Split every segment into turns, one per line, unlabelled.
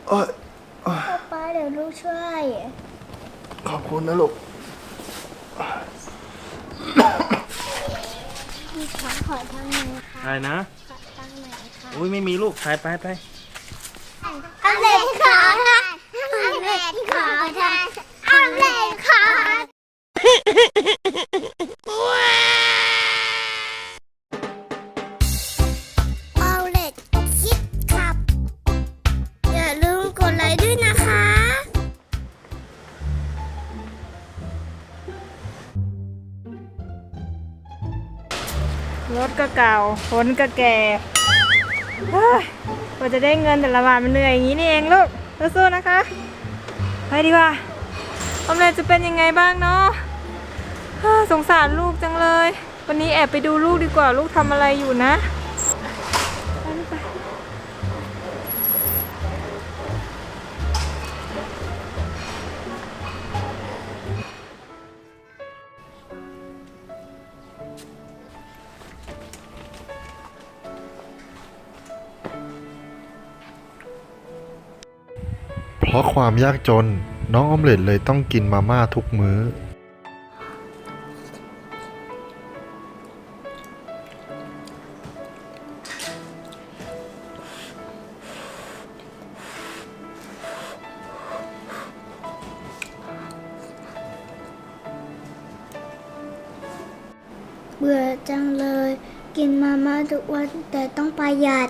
เอ้ย
ป๊าเดี๋ยวลูกช่วย
ขอบคุณนะลูก
พี่ขอทางหนึ่งค่ะ
อะไรนะ
ขอทางไหนค่ะ
อุ้ยไม่มีลูกไป
อเล็กขอทานอเล็กขอทานอเล็กขอเอาเล็กคิดครับอย่าลืมกดไลค์ด้วยนะคะ
รถก็เก่าฝนก็แก่เฮ้ยกว่าจะได้เงินแต่ละบาทมันเหนื่อยอย่างนี้นี่เองลูกสู้ๆนะคะไปดีกว่าออมเล็ตจะเป็นยังไงบ้างเนาะสงสารลูกจังเลยวันนี้แอบไปดูลูกดีกว่าลูกทำอะไรอยู่นะไปลูกไป
เพราะความยากจนน้องออมเล็ตเลยต้องกินมาม่าทุกมื้อ
เบื่อจังเลยกินมาม่าทุกวันแต่ต้องประหยัด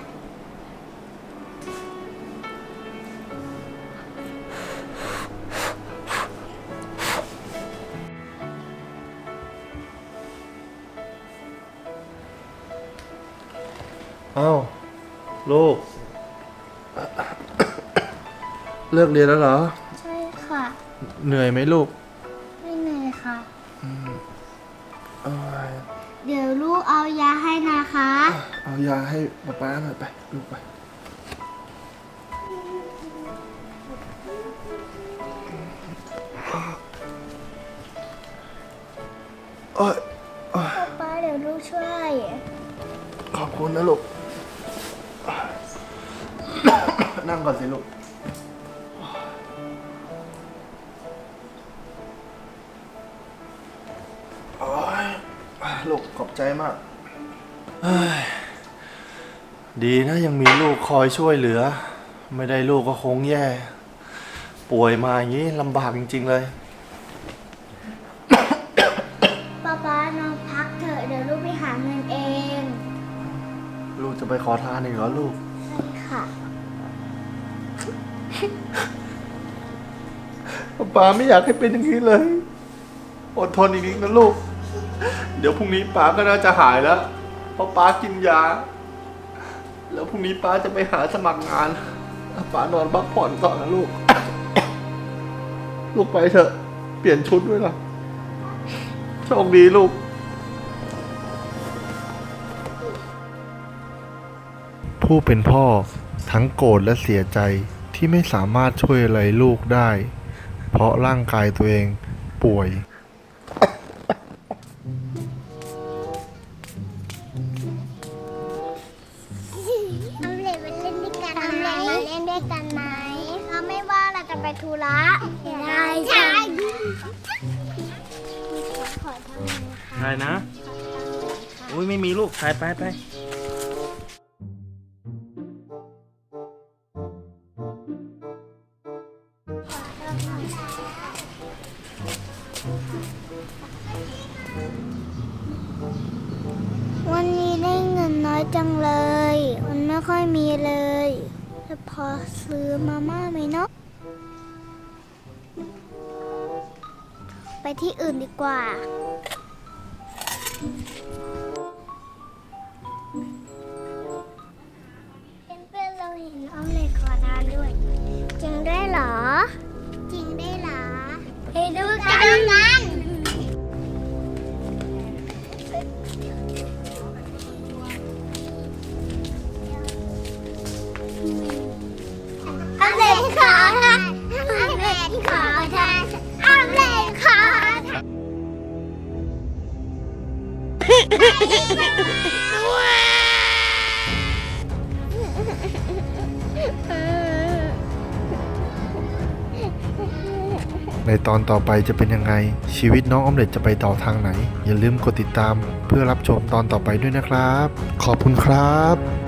เอ้าลูกเลิกเรียนแล้วเหรอ
ใช่ค่ะ
เหนื่อยไหมลูก
ไม่เหนื่อยค่ะ
เอ้ย
เดี๋ยวลูกเอายาให้นะคะ
เอายาให้ป๊าหน่อยไปลูกไปเอ้ย
ป๊าเดี๋ยวลูกช่วย
ขอบคุณนะลูกนั่งก่อนสิลูกโอ้ยลูกขอบใจมากดีนะยังมีลูกคอยช่วยเหลือไม่ได้ลูกก็คงแย่ป่วยมาอย่างนี้ลำบากจริงๆเลย
ป๊านอนพักเถอะเดี๋ยวลูกไปหาเงินเอง
ลูกจะไปขอทานอีกเหรอลูก
ใช่ค่ะ
ป๊าไม่อยากให้เป็นอย่างนี้เลยอดทนอีกนิดนะลูกเดี๋ยวพรุ่งนี้ป๊าก็น่าจะหายแล้วเพราะป๊ากินยาแล้วพรุ่งนี้ป๊าจะไปหาสมัครงานป๊านอนพักผ่อนก่อนนะลูก ลูกไปเถอะเปลี่ยนชุดด้วยล่ะโชคดีลูกผู้เป็นพ่อทั้งโกรธและเสียใจที่ไม่สามารถช่วยอะไรลูกได้เพราะร่างกายตัวเองป่วย
เอาเล่นไปเล่นด้วยกันไหมเล่นด้วยกันไหมเราไม่ว่าเราจะไปธุระได้ใช่ขอทางนึงค่ะ
อะไรนะอุ้ยไม่มีลูกไป
วันนี้ได้เงินน้อยจังเลยมันไม่ค่อยมีเลยจะพอซื้อมาม่าไหมเนาะไปที่อื่นดีกว่าเพื่อนๆเราเห็นออมเล็ตขอทานด้วยจริงได้เหรอจริงได้เหรอไปดูกันอเล็กขอทานอเล็กขอทานอเล็กขอทาน
ในตอนต่อไปจะเป็นยังไง ชีวิตน้องออมเล็ตจะไปต่อทางไหน อย่าลืมกดติดตามเพื่อรับชมตอนต่อไปด้วยนะครับ ขอบคุณครับ